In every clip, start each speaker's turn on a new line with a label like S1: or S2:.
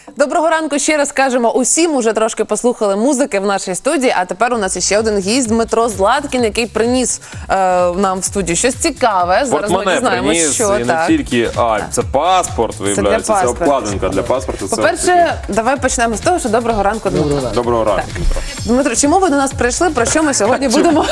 S1: Доброго ранку ще раз кажемо усім. Уже трошки послухали музики в нашій студії, а тепер у нас ще один гість Дмитро Златкін, який приніс нам в студію щось цікаве. Зараз ми дізнаємося, що
S2: і не тільки, це паспорт, виявляється, це обкладинка для паспорту.
S1: По-перше, давай почнемо з того, що доброго ранку, Дмитро.
S2: Доброго ранку, Дмитро.
S1: Дмитро, чому ви до нас прийшли, про що ми сьогодні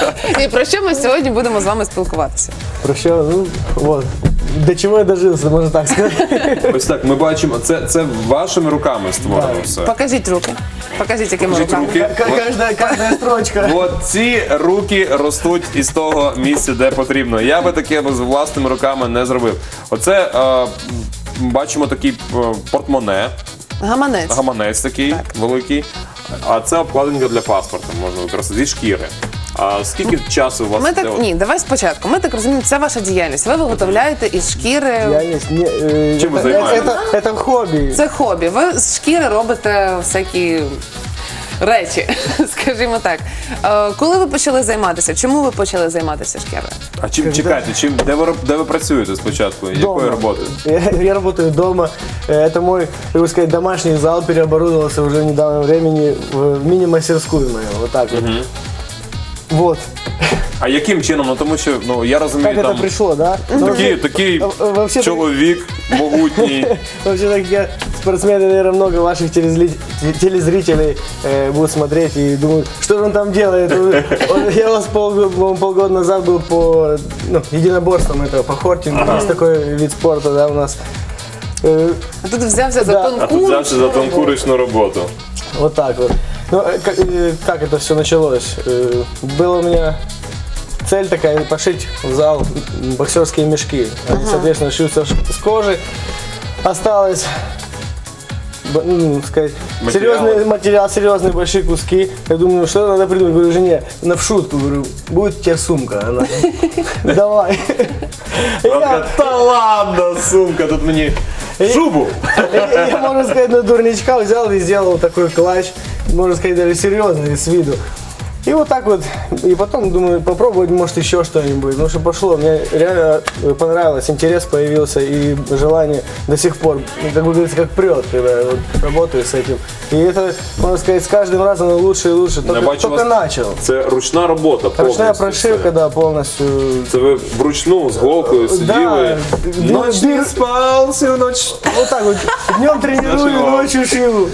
S1: будемо з вами спілкуватися?
S3: Про що, вот. До чого я дожився, можна так сказати.
S2: Ось так, ми бачимо, це вашими руками створено все.
S1: Покажіть руки. Покажіть, якими руками.
S3: Кожна строчка.
S2: От ці руки ростуть із того місця, де потрібно. Я би таке з власними руками не зробив. Оце, бачимо такий портмоне. Гаманець такий великий. А це обкладинка для паспорту, можна використати, зі шкіри. А скільки часу у вас?
S1: Ні, давай спочатку. Ми так розуміємо, це ваша діяльність. Ви виготовляєте із шкіри.
S2: Чим ви займаєтесь?
S3: Це хобі.
S1: Це хобі. Ви з шкіри робите всякі речі, скажімо так. Коли ви почали займатися? Чому ви почали займатися шкірою?
S2: А чекайте, де ви працюєте спочатку? Якою роботою?
S3: Я работаю дома. Это мой, как бы сказать, домашний зал переоборудовался уже в недавнем времени в мини-мастерскую мою. Вот так вот. Вот.
S2: А яким чином? Ну тому що, я розумію,
S3: Как
S2: там
S3: это пришло, да?
S2: такий чоловік могутній.
S3: Вообще, так я спортсмены, наверное, много ваших телезрителей будут смотреть и думают, что же он там делает. Я у вас полгода назад был по единоборствам, это по хортингу, есть такой вид спорта, да, у нас.
S1: А тут взявся за тонку
S2: ручну роботу.
S3: Вот так вот. Ну, как это все началось? Была у меня цель такая, пошить в зал боксерские мешки. Они, соответственно, шьются с кожи. Осталось, сказать, серьезный материал, серьезные большие куски. Я думаю, что надо придумать. Говорю жене, в шутку, говорю, будет у тебя сумка. Она, давай.
S2: Та ладно, сумка, тут мені шубу.
S3: Я, можно сказать, на дурничка взял и сделал такой клатч, можно сказать, даже серьезный с виду. И вот так вот, и потом думаю, попробовать, может, еще что-нибудь. Потому что пошло, мне реально понравилось, интерес появился и желание до сих пор, как бы говорится, как прет, когда я вот работаю с этим. И это, можно сказать, с каждым разом лучше и лучше, только начал.
S2: Це ручна робота повністю.
S3: Ручная прошивка, да, полностью.
S2: Це ви вручну з голкою сиділи, ночь не спав всю ніч.
S3: Вот так вот, днем тренирую, ночью шиву.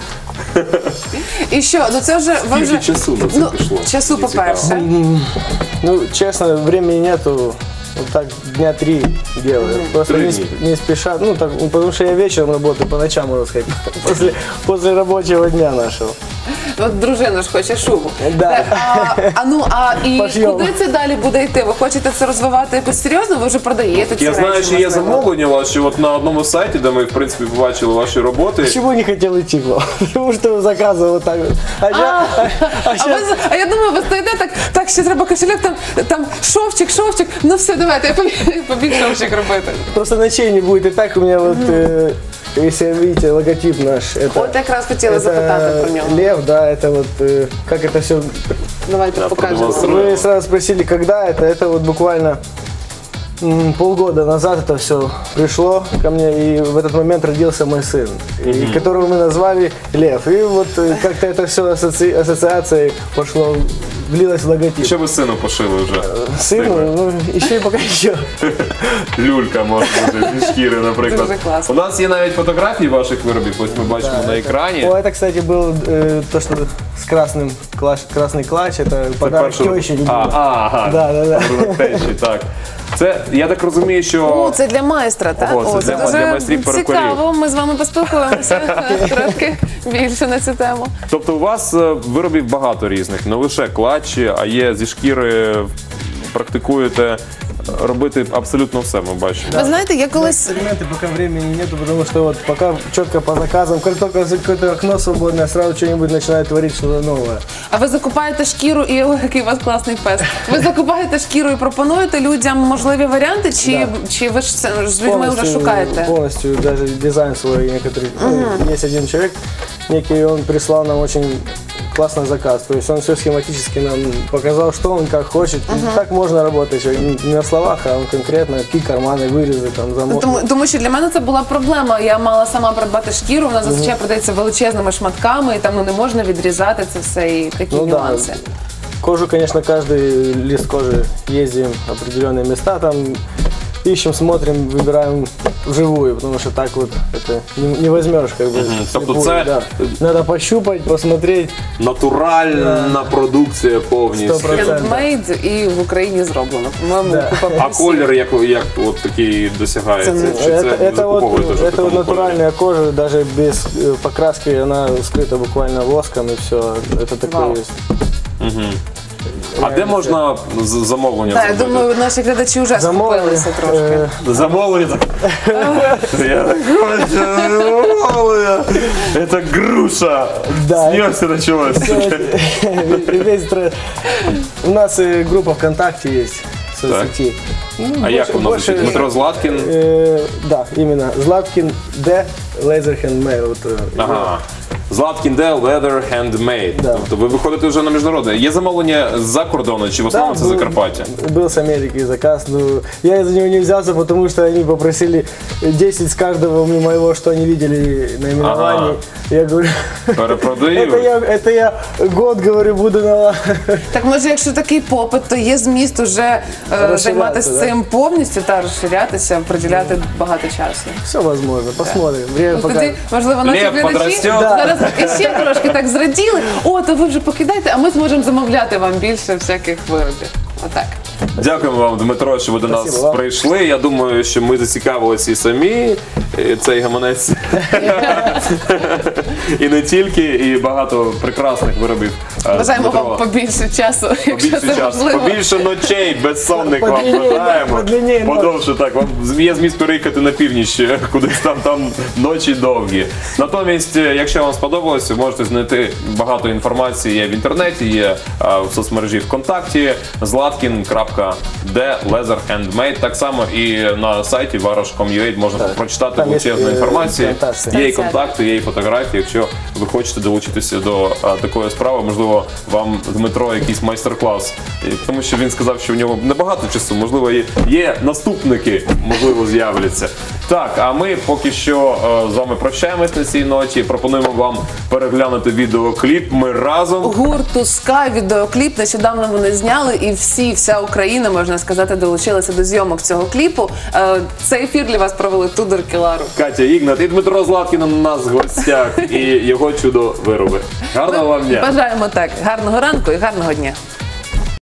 S1: І що? Ну це вже ви вже
S2: часу на це пішло?
S1: Часу, по-перше.
S3: Ну, честно, времени нету. Вот так дня 3 делаю. Просто не спеша. Ну, так, потому что я вечером работаю, по ночам, можно сказать. После рабочего дня нашего.
S1: От дружина ж хоче шубу.
S3: Да.
S1: І
S3: Пошьем.
S1: куди це далі буде йти? Ви хочете це розвивати якось серйозно? Ви вже продаєте ці
S2: Я
S1: речі?
S2: знаю, що є
S1: можливо?
S2: замовлення ваші от на одному сайті, де ми, в принципі, побачили ваші роботи.
S3: Почему не хотел идти к вам? Потому что заказывал вот так вот.
S1: А я думаю, ви стоїте так, ще треба кошелек, там шовчик, ну все, давайте, я побіг шовчик робити.
S3: Просто ночей не будет. И так у меня вот, если видите, логотип наш.
S1: От якраз хотіла запитати про нього.
S3: Лев, да, это вот, как это все.
S1: Давайте покажемо.
S3: Вы сразу спросили, когда это. Это вот буквально полгода назад это все пришло ко мне, и в этот момент родился мой сын, которого мы назвали Лев. И вот как-то это все ассоциацией пошло, влилось в логотип.
S2: Що ви сину пошили вже?
S3: Сыну, ну, еще и пока еще.
S2: Люлька може бути зі шкіри, наприклад.
S1: Дуже класно.
S2: У нас є навіть фотографії ваших виробів, ось ми бачимо на екрані.
S3: О, это, кстати, был то, что с красный клатч, это подарок тещи.
S2: Ага,
S3: Да.
S2: тещі, так. Це, я так розумію, що...
S1: Це для майстра, так?
S2: Це для майстрів перукарів.
S1: Цікаво, ми з вами поспілкуємося трошки більше на цю тему.
S2: Тобто у вас виробів багато різних, не лише клатчі, а є зі шкіри, практикуєте робити абсолютно все, ми бачимо.
S1: Ви знаєте, я колись...
S3: Эксперименты пока времени нету, потому что вот пока четко по заказам, как только какое-то окно свободное, сразу что-нибудь начинает творить, что-то новое.
S1: А ви закупаєте шкіру і ой, який у вас класний фест. Ви закупаєте шкіру і пропонуєте людям можливі варіанти, чи ви ж з людьми вже шукаєте?
S3: Полностью, даже дизайн свой некоторый. Есть один человек, некий, он прислал нам очень классный заказ. То есть он все схематически нам показал, что он как хочет. Так можно работать, что не на словах, а он конкретно, какие карманы, вырезы, там, замок.
S1: Тому що для мене це була проблема. Я мала сама придбати шкіру, вона зазвичай продається величезними шматками, і там не можна відрізати це все і такі
S3: Ну да.
S1: нюанси.
S3: Кожу, конечно, каждый лист кожи ездим в определенные места, там ищем, смотрим, выбираем вживую, потому что так вот это не возьмешь, как бы.
S2: Тобто
S3: вслепую,
S2: це-
S3: да. Надо пощупать, посмотреть.
S2: Натуральна продукція повністю.
S3: 100%.
S1: Хендмейд і в Україні зроблено. По-моєму,
S3: Да.
S1: купа
S2: А
S1: плюсів.
S2: колір як от такий досягається? Чи це
S3: Это вот,
S2: закуповуєте вже в
S3: это
S2: такому
S3: вот
S2: кольорі?
S3: натуральная кожа, даже без покраски, она скрыта буквально воском и все. Это такое
S1: Вау.
S3: есть.
S2: А де можна замовлення
S1: Так, я
S2: зробити?
S1: думаю, наші глядачі вже скупилися трошки.
S2: Замовлення? Я так хочу замовлення. Це груша.
S3: Да.
S2: З нього все почалось.
S3: У нас группа ВКонтакте есть в соцсети. Ну,
S2: А як воно звучить? Дмитро Златкін?
S3: Да, именно. Златкин Д. Laser Handmade. Вот,
S2: Ага. Златкін Де Leather Handmade.
S3: Да.
S2: Тобто ви виходите вже на міжнародне. Є замовлення з-за кордону чи в основному це
S3: был-
S2: Закарпаття?
S3: Был с Америки заказ, но я за него не взялся, потому что они попросили 10 с каждого моего, что они видели наименований.
S2: Ага.
S3: Я говорю,
S2: Перепродають?
S3: это я год, говорю, буду на...
S1: Так може, якщо такий попит, то є зміст уже займатися
S3: да?
S1: цим повністю та розширятися, приділяти багато часу.
S3: Все возможно, посмотрим. Время
S1: Ну, тоді,
S3: покажет.
S1: можливо, наші
S2: Лев
S1: глядачі
S2: подростет.
S1: зараз ще трошки так зраділи. О, то ви вже покидайте, а ми зможемо замовляти вам більше всяких виробів. Отак.
S2: Дякуємо вам, Дмитро, що ви до нас
S3: Спасибо вам.
S2: прийшли. Я думаю, що ми зацікавилися і самі, і цей гаманець. І не тільки, і багато прекрасних виробів.
S1: Бажаємо
S2: Дмитро.
S1: вам побільше часу, якщо
S2: Побільше
S1: це
S2: часу,
S1: можливо.
S2: побільше ночей безсонних вам
S3: Подлінніє,
S2: бажаємо.
S3: подлінніє ночі.
S2: Подовше так. Вам є зміст переїхати на північ, кудись там ночі довгі. Натомість, якщо вам сподобалось, ви можете знайти багато інформації є в інтернеті, є в соцмережі ВКонтакті, zlatkin.de Leather Handmade. Так само і на сайті varosh.com.ua можна прочитати
S3: Там є,
S2: величезну інформацію.
S3: презентація.
S2: Є і контакти, є і фотографії. Якщо ви хочете долучитися до такої справи, можливо, вам Дмитро якийсь майстер-клас. Тому що він сказав, що в нього небагато часу, можливо, є наступники, можливо, з'являться. Так, а ми поки що з вами прощаємось на цій ноті. Пропонуємо вам переглянути відеокліп. Ми разом.
S1: Гурту «Ска» відеокліп. Нещодавно вони зняли, і вся Україна, можна сказати, долучилася до зйомок цього кліпу. Цей ефір для вас провели Тудор Кілару.
S2: Катя Ігнат і Дмитро Златкін у нас в гостях і його чудо-вироби. Гарного вам дня!
S1: Бажаємо так. Гарного ранку і гарного дня.